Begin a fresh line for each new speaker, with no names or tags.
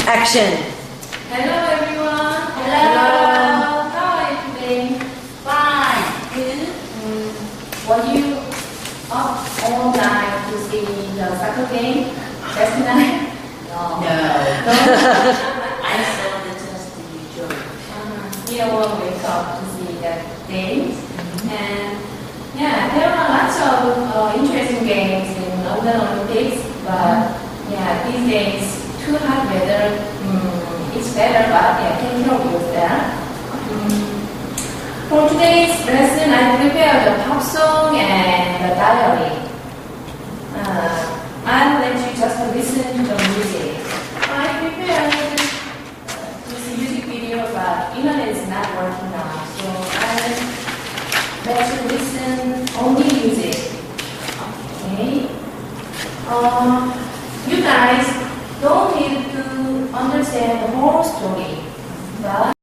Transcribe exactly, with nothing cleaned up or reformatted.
Action.
Hello everyone.
Hello.
How are you today?
Fine.
Good. Mm, were you up all night to see the soccer game last night?
No.
No.
I saw the just usual.
Uh, we all wake up to see that game. And yeah, there are lots of uh, interesting games in London Olympics, but yeah, these days too hot weather. Mm, it's better, but yeah, take care of yourself. Mm. For today's lesson, I prepared a pop song and a diary. Uh, I'll let you just listen to the music. I prepared uh, this music video, but internet is not working now, so I'll let you listen only music. Okay. Uh, you guys don't need to understand the whole story, but